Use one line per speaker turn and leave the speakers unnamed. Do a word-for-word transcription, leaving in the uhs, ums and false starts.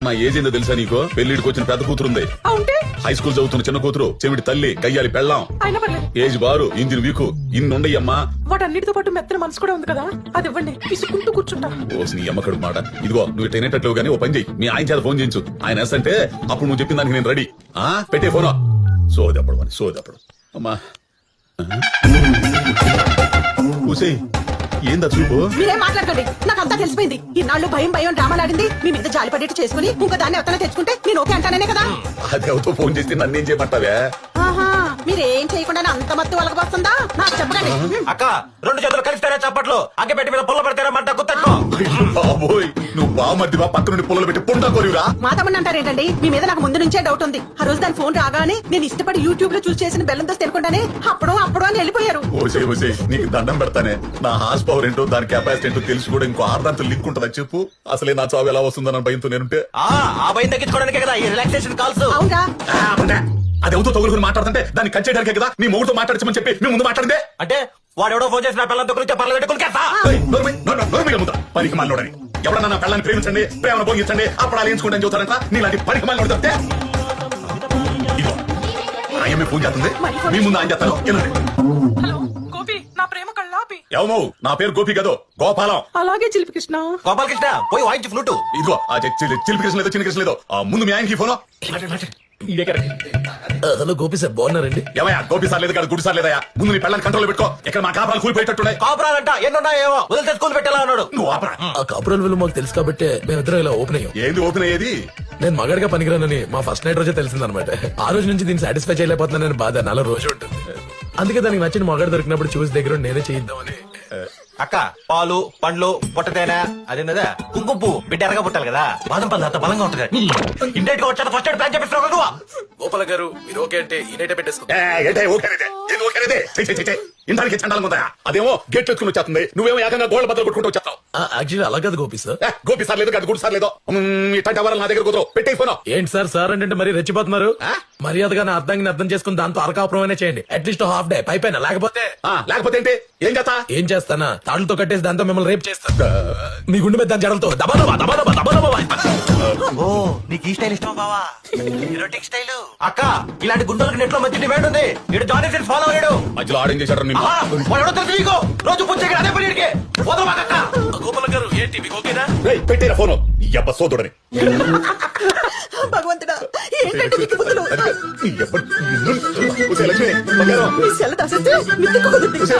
నా ఏజ్ ఏందో తెలుసా నీకు? పెళ్లిడికి వచ్చిన పెద్ద కూతురుంది, హై స్కూల్ చదువుతున్న చిన్న కూతురు, చెవిటి తల్లి, కయ్యాలి పెళ్ళాం, ఏజ్ బారు, ఇంజిన్ వీకు, ఇన్నుండయ్యమ్మా.
వాటన్నిటితో పాటు మెత్తన మనసు కూడా ఉంది కదా, అది ఇవ్వండి, పిసుకుంటూ కూర్చుంటా.
ఓసి నీ అమ్మకడు మాట. ఇదిగో నువ్వు తినేటట్లు గానీ ఓ పని చెయ్యి, మీ ఆయన చేత ఫోన్ చేయించు. ఆయన ఎస్ అంటే అప్పుడు నువ్వు చెప్పిన దానికి నేను రెడీ. ఆ పెట్టే ఫోన్. సోదప్పుడు అని సోదప్పుడు అమ్మా. ఊసేయ్, ఏందా చూపు?
మీరేం మాట్లాడకండి, నాకు అంతా తెలిసిపోయింది. ఇన్నాళ్ళు భయం భయం డ్రామాలాడింది మీ మీద జాలి పడేట్టు చేసుకుని ఇంకా దాన్ని ఎవరైనా తెచ్చుకుంటే నేను ఓకే అంటానే కదా.
అది ఎవరితో ఫోన్ చేస్తే నన్ను ఏం చేయమంటావే?
ఆహా, మీరేం చేయకుండా అంత మత్తు వాళ్ళకి వస్తుందా? నాకు చెప్పకండి.
అక్క రెండు చేతులు కలిస్తారా చప్పట్లు, అగ్గ పెట్టి మీద పుల్ల పెడతారా మంట గుర్తట్టుకో.
బాబోయ్, నువ్వు బామర్దివా? పక్క నుండి పుల్లలు పెట్టి పుంటా కోరిరా?
మా తమ్ముడు అంటారేంటండి? మీ మీద నాకు ముందు నుంచే డౌట్ ఉంది. ఆ రోజు దాని ఫోన్ రాగానే నేను ఇష్టపడి యూట్యూబ్ లో చూసి చేసిన బెల్లం దోశ తినకుండానే అప్పుడు అప్పుడు అని వెళ్ళిపోయారు.
ఓసే ఓసే, నీకు దండం పెడతానే. నా హార్స్ పవర్ ఏంటో, దాని కెపాసిటీ ఏంటో తెలిసి కూడా ఇంకో ఆర్దాంతో లింక్ ఉంటుందా చెప్పు? అసలే నా చావు ఎలా వస్తుందని భయంతో నేనుంటే.
ఆ భయం తగ్గించుకోవడానికే కదా ఈ రిలాక్సేషన్ కాల్స్.
అవునా?
అది ఎవరితో తగులుకుని మాట్లాడుతుంటే దాన్ని కట్ చేయడానికే కదా నీ మొగుడుతో మాట్లాడచ్చమని చెప్పి మీ ముందు మాట్లాడిందే.
అంటే వాడు ఎవడో ఫోన్ చేసిన పిల్లలతో గురించి పర్లేదు
పనికి మాలోడని ఎవడన్నా నా పిల్లని ప్రేమించండి, ప్రేమను భోగించండి, అప్పుడు అలా ఎంచుకుంటాను చూస్తారంట. నీలాంటి పనికి మాలోడు తప్పితే ఇదిగో ఆయమ్మే ఫోన్ చేస్తుంది, మీ ముందు ఆయన చేస్తాను.
హలో గోపి, నా ప్రేమ కళ్ళాపి.
ఏమో, నా పేరు గోపి కాదు, గోపాలం.
అలాగే చిలిపి కృష్ణ.
గోపాల కృష్ణ పోయి వాయించి ఫ్లూట్.
ఇదిగో ఆ చిలిపి కృష్ణ లేదో చిన్న కృష్ణ లేదో ఆ ముందు మీ ఆయనకి ఫోన్.
హలో గోపి సార్, బాగున్నారండి?
ఏమయ్యా, గోపి సార్ లేదు కాదు, గుడి సార్ లేదయా. ముందు నీ పిల్లల్ని కంట్రోల్ పెట్టుకో. ఇక్కడ మా కాపురాలు కూలిపోయేటట్టున్నాయి.
కాపురాలంట ఎన్నున్నాయేమో వదిలితే స్కూల్ పెట్టేలా ఉన్నాడు.
నువ్వు ఆపరా.
ఆ కాపురాల విలువ మాకు తెలుసు కాబట్టి మేమిద్దరం ఇలా ఓపెన్ అయ్యాం.
ఏంది ఓపెన్ అయ్యేది?
నేను మగాడిగా పనికిరానని మా ఫస్ట్ నైట్ రోజే తెలిసిందనమాట. ఆ రోజు నుంచి దీన్ని సాటిస్ఫై చేయలేకపోతున్నానని బాధ నాలో రోజు ఉంటుంది. అందుకే దానికి నచ్చిన మగాడు దొరికినప్పుడు చూసి దగ్గర నేనే చేయిద్దామని.
అక్క పాలు పండ్లు పొట్టతేనా అదేనదా కుంకుమ పువ్వు బిడ్డ ఎరగా పుట్టాలి కదా, బాదం పళ్ళు అంత బలంగా ఉంటుంది. ఇండైట్ గా వచ్చా ఫస్ట్ ఎయిడ్ ప్లాన్ చెప్పిస్తున్నావు నువ్వు.
గోపాల గారు మీరు ఓకే అంటే ఈ నైట్ పెట్టేసుకో.
ఇంటానికి చండాలంగా ఉందా? అదేమో గేట్ ఎత్తుకుని వచ్చేస్తుంది, నువ్వేమో ఏకంగా గోల్డ్ బద్దలు కొట్టుకుంటూ వచ్చేస్తావు.
యాక్చువల్లీ అలా కాదు గోపి సార్.
గోపి సార్ లేదు కాదు, గుడి సార్ లేదో. ఇట్లాంటి ఎవరు నా దగ్గర కుదరవు. పెట్టే ఫోన్.
ఏంటి సార్ సార్ అంటే మరి రెచ్చిపోతున్నారు? మర్యాదగా నా అర్థాన్ని అర్థం చేసుకుని దాంతో అరకాపురమైనా చేయండి. అట్లీస్ట్ హాఫ్ డే పైపైన. లేకపోతే
లేకపోతే ఏంటి? ఏం చేస్తా?
ఏం చేస్తానా, తాళ్ళతో కట్టేసి దాంతో మిమ్మల్ని రేపు చేస్తా. మీ గుండె మీద దాని జడలతో దబాదబా దబాదబా దబాదబా.
ఓ నీకు ఈ స్టైల్ ఇష్టం బావా? Erotic style. అక్క ఇలాంటి గుండెలకు నెట్ లో మంచి డిమాండ్ ఉంది. ఇటు జానీ సెన్స్ ఫాలో అయ్యాడు.
మధ్యలో ఆడేం చేశాడు?
రోజు పుచ్చకి అదే పని
గోపాల గారు ఏంటి మీకు ఓకేనా?
పెట్టేరా ఫోన్. ఎబ్బ సోదరుడని.
భగవంతుడా, ఏంటంటే నీకు బుద్ధులు?
ఎప్పుడు
మీ సెల దాసేస్తే మిత్తికి కుదురుతుంది.